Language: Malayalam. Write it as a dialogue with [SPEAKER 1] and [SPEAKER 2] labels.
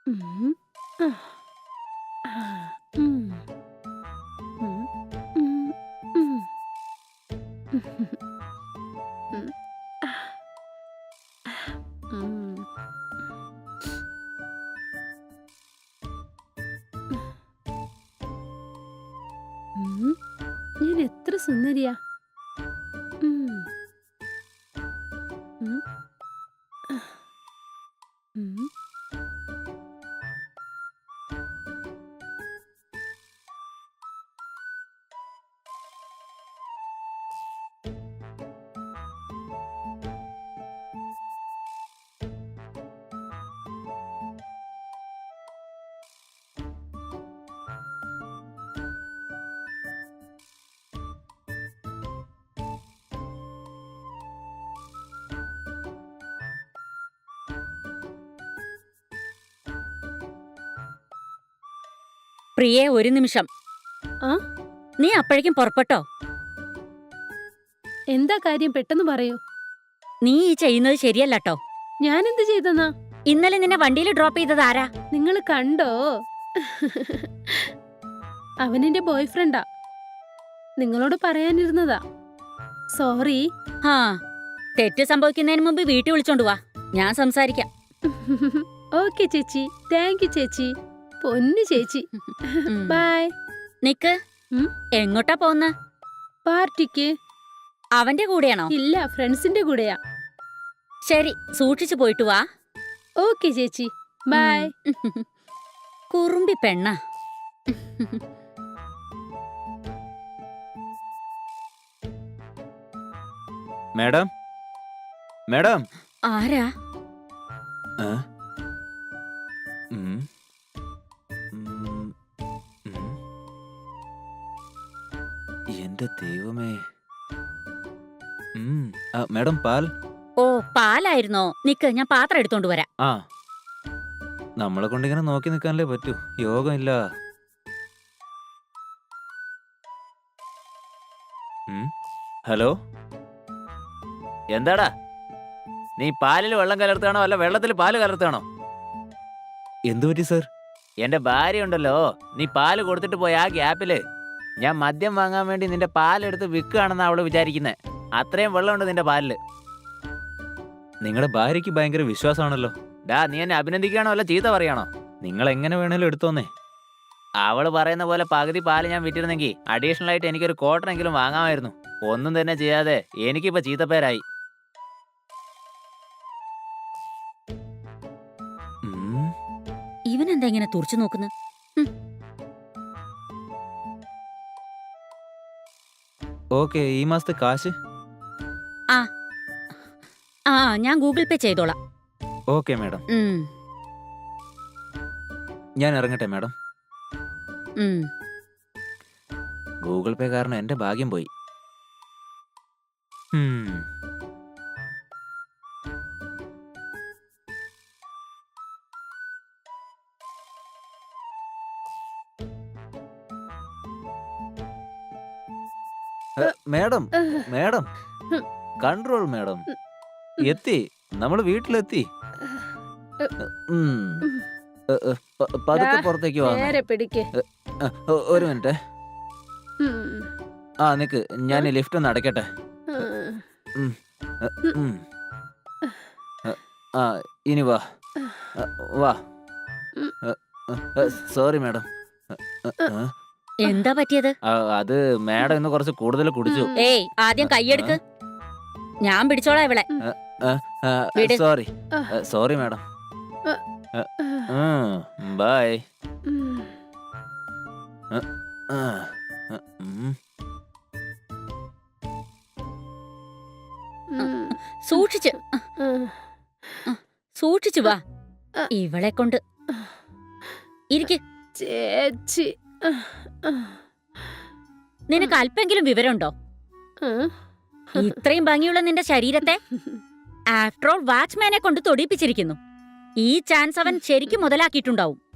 [SPEAKER 1] ഉം. ആ. ആ. ഉം. ഉം. ഉം. ഉം. ഉം. ആ. ഉം. ഉം. ഞാൻ എത്ര സുന്ദരിയാ. ഉം. ഉം. ഉം.
[SPEAKER 2] പ്രിയേ, ഒരു നിമിഷം.
[SPEAKER 1] ആ?
[SPEAKER 2] നീ അപ്പോഴേക്കും പുറപ്പെട്ടോ?
[SPEAKER 1] എന്താ കാര്യം, പെട്ടെന്ന് പറയൂ.
[SPEAKER 2] നീ ഈ ചെയ്യുന്നത് ശരിയല്ലട്ടോ.
[SPEAKER 1] ഞാനെന്ത് ചെയ്തെന്നാ?
[SPEAKER 2] ഇന്നലെ നിന്നെ വണ്ടിയിൽ ഡ്രോപ്പ് ചെയ്തത് ആരാ?
[SPEAKER 1] നിങ്ങൾ കണ്ടോ? അവനെന്റെ ബോയ്ഫ്രണ്ടാ. നിങ്ങളോട് പറയാനിരുന്നതാ. സോറി.
[SPEAKER 2] ആ, തെറ്റ് സംഭവിക്കുന്നതിന് മുമ്പ് വീട്ടിൽ വിളിച്ചോണ്ട് വാ, ഞാൻ സംസാരിക്കാം.
[SPEAKER 1] ഓക്കെ ചേച്ചി, താങ്ക് യു ചേച്ചി, പൊന്നു ചേച്ചി.
[SPEAKER 2] ഉം.
[SPEAKER 1] ബൈ.
[SPEAKER 2] നിക്ക്.
[SPEAKER 1] ഉം?
[SPEAKER 2] എങ്ങോട്ടാ പോന്ന?
[SPEAKER 1] പാർട്ടിക്ക്.
[SPEAKER 2] അവന്റെ കൂടെയാണോ?
[SPEAKER 1] ഇല്ല, ഫ്രണ്ട്സിന്റെ കൂടെയാ.
[SPEAKER 2] ശരി, സൂക്ഷിച്ചു പോയിട്ട് വാ.
[SPEAKER 1] ഓക്കെ ചേച്ചി, ബൈ.
[SPEAKER 2] കുറുമ്പി പെണ്ണ.
[SPEAKER 3] Madam, madam.
[SPEAKER 2] ആരാ?
[SPEAKER 3] ആ? ഉം. ഉം. ഉം. എന്റെ ദൈവമേ. മാഡം, പാൽ.
[SPEAKER 2] ഓ, പാലായിരുന്നോ? നിക്ക്, ഞാൻ പാത്രം എടുത്തോണ്ട് വരാം.
[SPEAKER 3] ആ, നമ്മളെ കൊണ്ടിങ്ങനെ നോക്കി നിൽക്കാനല്ലേ പറ്റൂ, യോഗമില്ല. ഹലോ,
[SPEAKER 4] എന്താടാ, നീ പാലിൽ വെള്ളം കലർത്താണോ അല്ല വെള്ളത്തിൽ പാല് കലർത്താണോ?
[SPEAKER 3] എന്തു പറ്റി സർ?
[SPEAKER 4] എന്റെ ഭാര്യ ഉണ്ടല്ലോ, നീ പാല് കൊടുത്തിട്ട് പോയ ആ ഗ്യാപ്പില് ഞാൻ മദ്യം വാങ്ങാൻ വേണ്ടി നിന്റെ പാലെടുത്ത് വിൽക്കുകയാണെന്ന് അവള് വിചാരിക്കുന്നത്. അത്രയും വെള്ളമുണ്ട് നിന്റെ പാലില്.
[SPEAKER 3] നിങ്ങളുടെ ഭാര്യയ്ക്ക് ഭയങ്കര വിശ്വാസമാണല്ലോ.
[SPEAKER 4] ഡാ, നീ എന്നെ അഭിനന്ദിക്കുകയാണോ അല്ല ചീത്ത പറയാണോ?
[SPEAKER 3] നിങ്ങൾ എങ്ങനെ വേണേലും എടുത്തോന്നേ.
[SPEAKER 4] അവള് പറയുന്ന പോലെ പകുതി പാല് ഞാൻ വിറ്റിരുന്നെങ്കിൽ അഡീഷണൽ ആയിട്ട് എനിക്കൊരു ക്വാർട്ടറെങ്കിലും വാങ്ങാമായിരുന്നു. ഒന്നും തന്നെ ചെയ്യാതെ എനിക്കിപ്പോ ചീത്തപ്പേരായി.
[SPEAKER 2] ഇവനെന്താ ഇങ്ങനെ തുറച്ചു നോക്കുന്നു?
[SPEAKER 3] ഓക്കെ, ഈ മാസത്തെ കാശ്?
[SPEAKER 2] ആ ആ, ഞാൻ ഗൂഗിൾ പേ ചെയ്തോളാം.
[SPEAKER 3] ഓക്കെ മാഡം,
[SPEAKER 2] ഉം,
[SPEAKER 3] ഞാൻ ഇറങ്ങട്ടെ മാഡം.
[SPEAKER 2] ഉം.
[SPEAKER 3] ഗൂഗിൾ പേ കാരണം എന്റെ ഭാഗ്യം പോയി. Madam, madam, control madam. എത്തി, നമ്മൾ വീട്ടിലെത്തി. പതുക്കെ പുറത്തേക്ക് വാ.
[SPEAKER 1] നേരെ പിടിക്ക്.
[SPEAKER 3] ഒരു മിനിറ്റ്.
[SPEAKER 1] ഉം.
[SPEAKER 3] ആ, നിക്ക്, ഞാൻ ലിഫ്റ്റ് ഒന്ന് അടയ്ക്കട്ടെ.
[SPEAKER 1] ഉം.
[SPEAKER 3] ആ, ഇനി വാ. വാ. Sorry madam.
[SPEAKER 2] എന്താ പറ്റിയത്?
[SPEAKER 3] അത് മാഡം ഇന്ന് കുറച്ച് കൂടുതൽ കുടിച്ചു.
[SPEAKER 2] ഏയ്, ആദ്യം കൈയെടുക്ക്, ഞാൻ പിടിച്ചോളാം ഇവളെ. വിട്.
[SPEAKER 3] Sorry, sorry madam. ബൈ.
[SPEAKER 2] സൂക്ഷിച്ച്, സൂക്ഷിച്ചു വാ. ഇവളെ കൊണ്ട് ഇരിക്ക്.
[SPEAKER 1] ചേച്ചി.
[SPEAKER 2] നിനക്ക് അല്പെങ്കിലും വിവരമുണ്ടോ? ഇത്രയും ഭംഗിയുള്ള നിന്റെ ശരീരത്തെ ആഫ്റ്റർ ഓൾ വാച്ച്മാനെ കൊണ്ട് തൊടിപ്പിച്ചിരിക്കുന്നു. ഈ ചാൻസ് അവൻ ശരിക്കും മുതലാക്കിയിട്ടുണ്ടാവും.